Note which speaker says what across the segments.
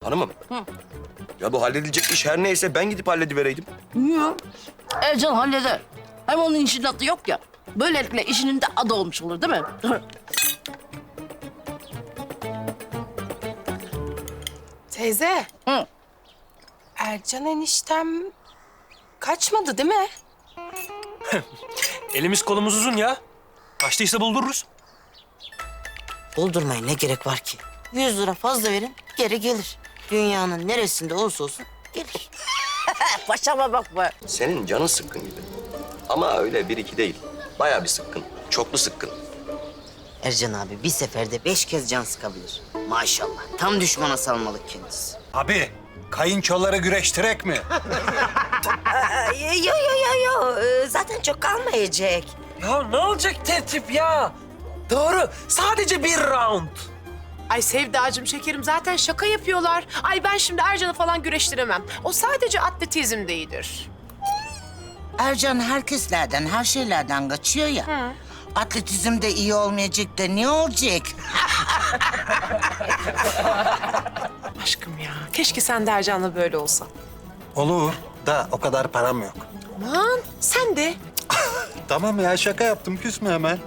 Speaker 1: Hanımım. Ya bu halledilecek iş her neyse ben gidip halledivereydim.
Speaker 2: Niye? Ercan halleder. Hem onun işin adı yok ya. Böylelikle işinin de adı olmuş olur değil mi?
Speaker 3: Teyze.
Speaker 2: Hı.
Speaker 3: Ercan eniştem kaçmadı değil mi?
Speaker 4: Elimiz kolumuz uzun ya. Kaçtıysa buldururuz.
Speaker 5: Buldurmaya ne gerek var ki? 100 lira fazla verin, geri gelir. Dünyanın neresinde olursa olsun gelir.
Speaker 2: Paşama bak be.
Speaker 1: Senin canın sıkkın gibi. Ama öyle bir iki değil. Bayağı bir sıkkın. Çoklu sıkkın.
Speaker 5: Ercan abi bir seferde 5 kez can sıkabilir. Maşallah. Tam düşmana salmalık kendisi.
Speaker 6: Abi, kayınçoları güreştirek mi?
Speaker 5: Yo. Zaten çok kalmayacak.
Speaker 4: Ya ne olacak tertip ya? Doğru. Sadece bir round.
Speaker 3: Ay Sevdacığım şekerim zaten şaka yapıyorlar. Ay ben şimdi Ercan'ı falan güreştiremem. O sadece atletizmde iyidir.
Speaker 7: Ercan herkeslerden, her şeylerden kaçıyor ya. Atletizmde iyi olmayacak da ne olacak?
Speaker 3: Aşkım ya keşke sen de Ercan'la böyle olsan.
Speaker 6: Olur da o kadar param yok.
Speaker 3: Aman sen de.
Speaker 6: Tamam ya, şaka yaptım. Küsme hemen.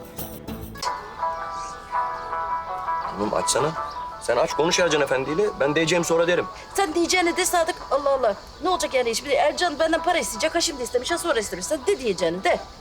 Speaker 1: Hanım açsana. Sen aç konuş Ercan Efendi'yle. Ben diyeceğim sonra derim.
Speaker 2: Sen diyeceğini de Sadık. Allah Allah. Ne olacak yani iş? Bir de Ercan benden para isteyecek. Ha şimdi istemiş, ha sonra istemiş. Sen de diyeceğini de.